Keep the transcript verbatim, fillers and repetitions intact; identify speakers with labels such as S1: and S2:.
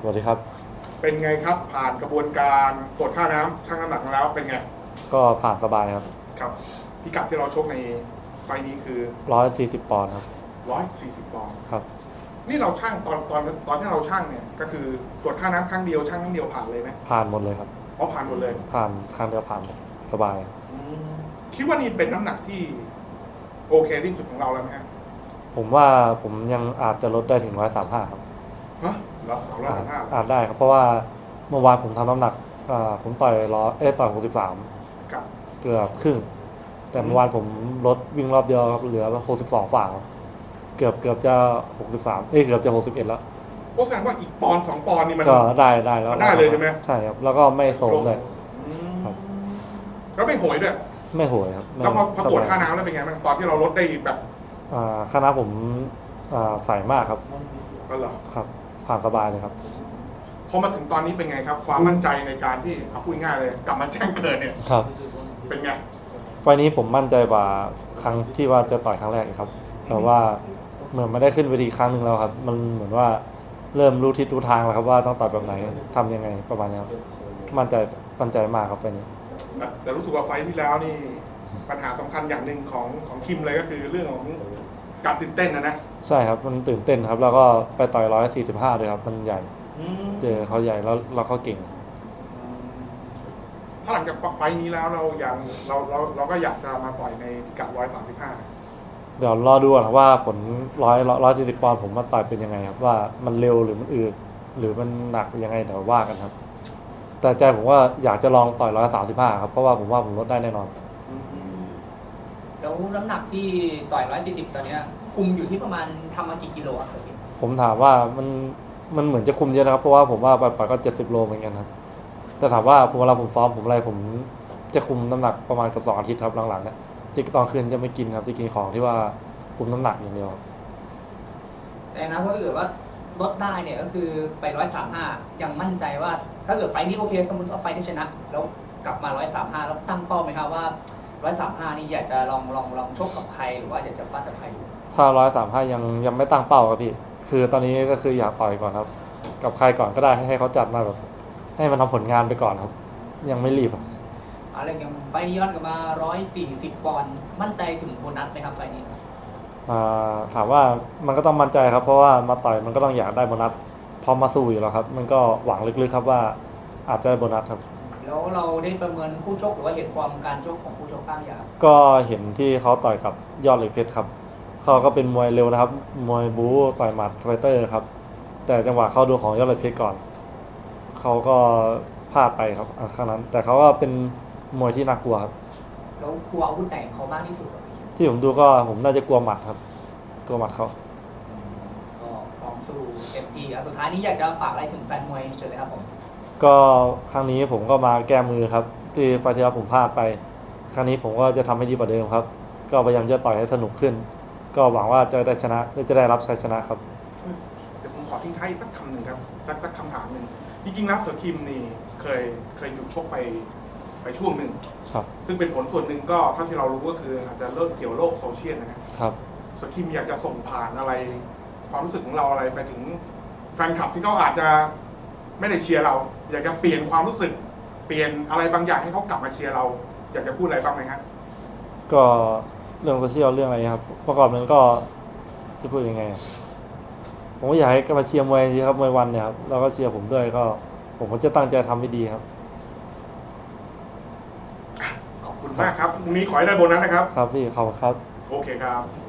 S1: วัสดีครับ
S2: เป็นไงครับผ่านกระบวนการตรวจค่าน้ำชั่งน้ำหนักมาแล้วเป็นไง
S1: ก็ผ่านสบายครับ
S2: ครับพิกัดที่เราชกในไฟนี้คือ
S1: ร้อยสี่สิบปอนด์ครับ
S2: ร้อยสี่สิบปอนด์
S1: ครับ
S2: นี่เราชั่งตอนตอนตอนที่เราชั่งเนี่ยก็คือตรวจค่าน้ำครั้งเดียวชั่งครั้งเดียวผ่านเลยไหม
S1: ผ่านหมดเลยครับ
S2: อ๋อผ่านหมดเลย
S1: ผ่านครั้งเดียวผ่านสบาย
S2: คิดว่านี่เป็นน้ำหนักที่โอเคที่สุดของเราแล้วไหมครับ
S1: ผมว่าผมยังอาจจะลดได้ถึงร้อยสามห้าครับ
S2: ฮะเหรอสองร้อยสามห้า
S1: อาจได้ครับเพราะว่าเมื่อวานผมทำน้ำหนักอ่าผมต่อยร้อยเอ้ต่อยหกสิบสามเกือบครึ่งแต่เมื่อวานผมลดวิ่งรอบเดียวครับเหลือหกสิบสองฝ่าเกือบเกือบจะหกสิบสามเอ้ยเกือบจะหกสิบเอ็ดแล้ว
S2: โอ้แสดงว่าอีกปอนสองปอนนี่มัน
S1: ก็ได้ได้แล้ว
S2: ได้เลยใช่ไหม
S1: ใช่ครับแล้วก็ไม่โซมเลย
S2: ครับแล้วไม่โหยด้วย
S1: ไม่โหยครับ
S2: แล้วพอพอตรวจค่าน้ำแล้วเป็นไงบ้างตอนที่เราลดได้แบบ
S1: อ่าค่าน้ำผมอ่าใส่มากครับ
S2: ก็เหรอ
S1: ครับผ่านสบายเลยครับ
S2: พอมาถึงตอนนี้เป็นไงครับความมั่นใจในการที่เอาพูดง่ายเลยกลับมาแจ้งเกิดเนี่ย
S1: ครับ
S2: เป็นไง
S1: ไฟนี้ผมมั่นใจกว่าครั้งที่ว่าจะต่อยครั้งแรกครับแต่ว่าเหมือนไม่ได้ขึ้นเวทีครั้งหนึ่งแล้วครับมันเหมือนว่าเริ่มรู้ทิศรู้ทางแล้วครับว่าต้องต่อยแบบไหนทำยังไงประมาณนี้ครับมั่นใจมั่นใจมากครับไฟนี้
S2: แต่รู้สึกว่าไฟที่แล้วนี่ปัญหาสำคัญอย่างหนึ่งของของคิมเลยก็คือเรื่องของการตื่นเต้นนะนะ
S1: ใช่ครับมันตื่นเต้นครับแล้วก็ไปต่อยร้อยสี่สิบห้าเลยครับมันใหญ่เจอเขาใหญ่แล้วเราเขาเก่ง
S2: ถ้าหลังจากไฟนี้แล้วเราอย่างเราเราเราก็อยากจะมาต่อยในพิกัดร้อยสามสิบห้า
S1: เดี๋ยวรอดูนะว่าผลร้อยร้อยสี่สิบปอนด์ผมมาต่อยเป็นยังไงครับว่ามันเร็วหรือมันอืดหรือมันหนักยังไงเดี๋ยวว่ากันครับแต่ใจผมว่าอยากจะลองต่อยร้อยสามสิบห้าครับเพราะว่าผมว่าผมลดได้แน่นอน
S3: แล้วน้ำหนักที่ต่อยร้อยสี่สิบตอนนี้คุมอยู่ที่ประมาณทำมากี่กิโลครับ
S1: ผมถามว่ามันมันเหมือนจะคุมเยอะนะครับเพราะว่าผมว่าไปๆก็เจ็ดสิบโลเหมือนกันครับแต่ถามว่าผมเวลาผมซ้อมผมอะไรผมจะคุมน้ำหนักประมาณกับสองอาทิตย์ครับหลังๆเนี่ยจะตอนคืนจะไม่กินครับจะกินของที่ว่าคุมน้ำหนักอย่างเดียว
S3: แต่นะถ้าเกิดว่าลดได้เนี่ยก็คือไปร้อยสามห้ายังมั่นใจว่าถ้าเกิดไฟนี้โอเคสมมติว่าไฟที่ชนะแล้วกลับมาร้อยสามห้าแล้วตั้งเป้าไหมครับว่าร้อยสามห้านี่อยากจะลองลองลองชกกับใครหรือว่าอยากจะฟาดกับใคร
S1: ถ้าร้อยสามห้ายังยังไม่ตั้งเป้าครับพี่คือตอนนี้ก็คืออยากต่อยก่อนครับกับใครก่อนก็ได้ให้เขาจัดมาแบบให้มันทำผลงานไปก่อนครับยังไม่รีบ
S3: อะไรอย่างไฟนี้ย้อนกลับมาร้อยสี่สิบปอนด์มั่นใจถึงโบนัสไหมครับไฟนี้
S1: ถามว่ามันก็ต้องมั่นใจครับเพราะว่ามาต่อยมันก็ต้องอยากได้โบนัสพอมาสู้อยู่แล้วครับมันก็หวังลึกๆครับว่าอาจจะได้โบนัสครับ
S3: แล้วเราได้ประเมินคู่ชกหรือว่าเห็นความการชกของคู่ชกบ้างอย่าง
S1: ก็เห็นที่เขาต่อยกับยอดเหล็กเพชรครับเขาก็เป็นมวยเร็วนะครับมวยบู๊ต่อยหมัดไฟเตอร์ครับแต่จังหวะเข้าดูของยอดเหล็กเพชรก่อนเขาก็พลาดไปครับครั้งนั้นแต่เขาก็เป็นมวยที่น่ากลัวครับ
S3: แล้วกลัวอาวุธไหนเขาบ้างที่สุด
S1: ที่ผมดูก็ผมน่าจะกลัวหมัดครับกลัวหมัดเขา
S3: ก็พร้อมสู้เต็มที่สุดท้ายนี้อยากจะฝากอะไรถึงแฟนมวยเชิญเลยครับผม
S1: ก็ครั้งนี้ผมก็มาแก้มือครับที่ไฟที่แล้วผมพลาดไปครั้งนี้ผมก็จะทำให้ดีกว่าเดิมครับก็พยายามจะต่อยให้สนุกขึ้นก็หวังว่าจะได้ชนะจะได้รับชัยชนะครับ
S2: เดี๋ยวผมขอทิ้งท้ายสักคำหนึ่งครับสักสักคำถามหนึ่งจริงๆแล้วเสือคิมนี่เคยเคยหยุดชกไปไปช่วงหนึ่ง
S1: ครับ
S2: ซึ่งเป็นผลส่วนหนึ่งก็เท่าที่เรารู้ก็คืออาจจะเริ่มเกี่ยวโลกโซเชียลนะครับเสือคิมอยากจะส่งผ่านอะไรความรู้สึกของเราอะไรไปถึงแฟนคลับที่เขาอาจจะไม่ได้เชียร์เราอยากจะเปลี่ยนความรู้สึกเปลี่ยนอะไรบางอย่างให้เขากลับมาเชียร์เราอยากจะพูดอะไรบ้างไหมครับ
S1: ก็เรื่องโซเชียลเรื่องอะไรครับประกอบนั้นก็จะพูดยังไงผมก็อยากให้กลับมาเชียร์มวยดีครับมวยวันเนี่ยครับแล้วก็เชียร์ผมด้วยก็ผมก็จะตั้งใจทำให้ดีครับ
S2: ขอบคุณมากครับวันนี้ขอให้ได้โบนัสนะครับ
S1: ครับพี่ขอบคุณครับ
S2: โอเคครับ